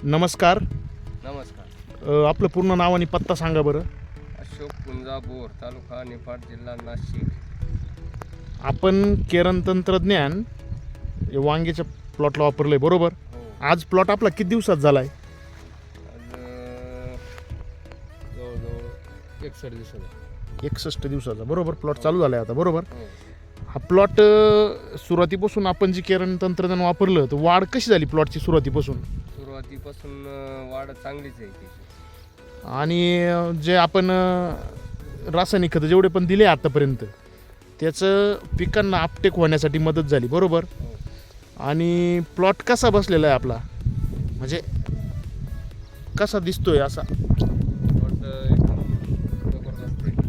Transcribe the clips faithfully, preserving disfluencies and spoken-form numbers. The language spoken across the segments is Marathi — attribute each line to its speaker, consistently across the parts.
Speaker 1: नमस्कार.
Speaker 2: नमस्कार.
Speaker 1: अ, आपलं पूर्ण नाव आणि पत्ता सांगा बरं.
Speaker 2: अशोक पुंजा बोर, तालुका निफाड, जिल्हा नाशिक.
Speaker 1: आपण केरन तंत्रज्ञान हे वांग्याच्या प्लॉटला वापरलं आहे बरोबर.
Speaker 2: हो.
Speaker 1: आज प्लॉट आपला किती दिवसात झाला आहे?
Speaker 2: आज अं, जवळजवळ एकसष्ट दिवसाचा.
Speaker 1: एकसष्ट दिवसाचा बरोबर प्लॉट चालू झाला आहे आता बरोबर.
Speaker 2: हो.
Speaker 1: हा प्लॉट सुरुवातीपासून आपण जी केरन तंत्रज्ञान वापरलं तर वाढ कशी झाली प्लॉटची सुरुवातीपासून?
Speaker 2: सुरुवातीपासून अं, वाढ चांगलीच आहे तिची.
Speaker 1: आणि अ, जे आपण अ, रासायनिक खतं जेवढे पण दिले आतापर्यंत त्याचं पिकांना आपटेक होण्यासाठी मदत झाली बरोबर.
Speaker 2: हो.
Speaker 1: आणि प्लॉट कसा बसलेला आहे आपला, म्हणजे कसा दिसतोय असा?
Speaker 2: प्लॉट एकदम जबरदस्त आहे.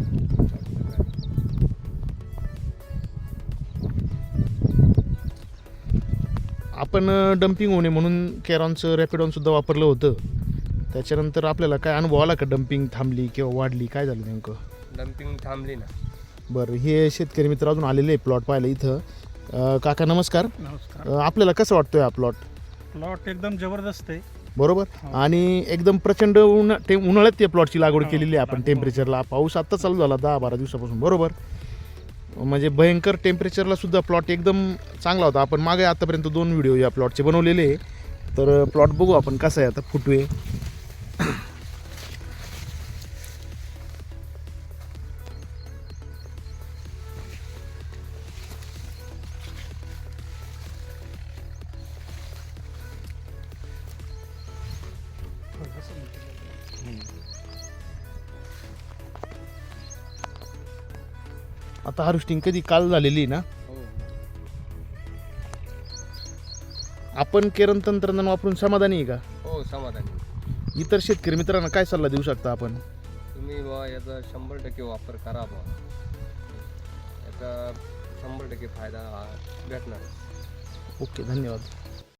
Speaker 1: आपण डम्पिंग होणे म्हणून केरॉनचं रॅपिडॉन सुद्धा वापरलं होतं. त्याच्यानंतर आपल्याला काय अनुभव आला का? डम्पिंग थांबली किंवा वाढली, काय झालं नेमकं?
Speaker 2: डम्पिंग थांबली ना.
Speaker 1: बरं, हे शेतकरी मित्र अजून आलेले आहे प्लॉट पाहायला इथं. अ, काका नमस्कार.
Speaker 3: नमस्कार.
Speaker 1: अ, आपल्याला कसं वाटतोय हा प्लॉट?
Speaker 3: प्लॉट एकदम जबरदस्त आहे.
Speaker 1: बरोबर.
Speaker 3: हो.
Speaker 1: आणि एकदम प्रचंड उन्हा टे उन्हाळ्यात त्या प्लॉटची लागवड
Speaker 3: हो,
Speaker 1: केलेली आहे आपण.
Speaker 3: लागवड.
Speaker 1: टेम्परेचरला पाऊस आत्ता चालू झाला दहा बारा दिवसापासून बरोबर. म्हणजे भयंकर टेम्परेचरला सुद्धा प्लॉट एकदम चांगला होता. आपण मागे आतापर्यंत दोन व्हिडिओ या प्लॉटचे बनवलेले आहे. तर प्लॉट बघू आपण कसा आहे आता. फुटवे आता हार्वेस्टिंग कधी काल झालेली ना.
Speaker 2: हो.
Speaker 1: आपण केरन तंत्रज्ञान वापरून समाधानी आहे का?
Speaker 2: हो, समाधानी.
Speaker 1: इतर शेतकरी मित्रांना काय सल्ला देऊ शकता आपण?
Speaker 2: तुम्ही बा याचा शंभर टक्के वापर करा बा. याचा शंभर टक्के फायदा हा भेटणार.
Speaker 1: ओके, धन्यवाद.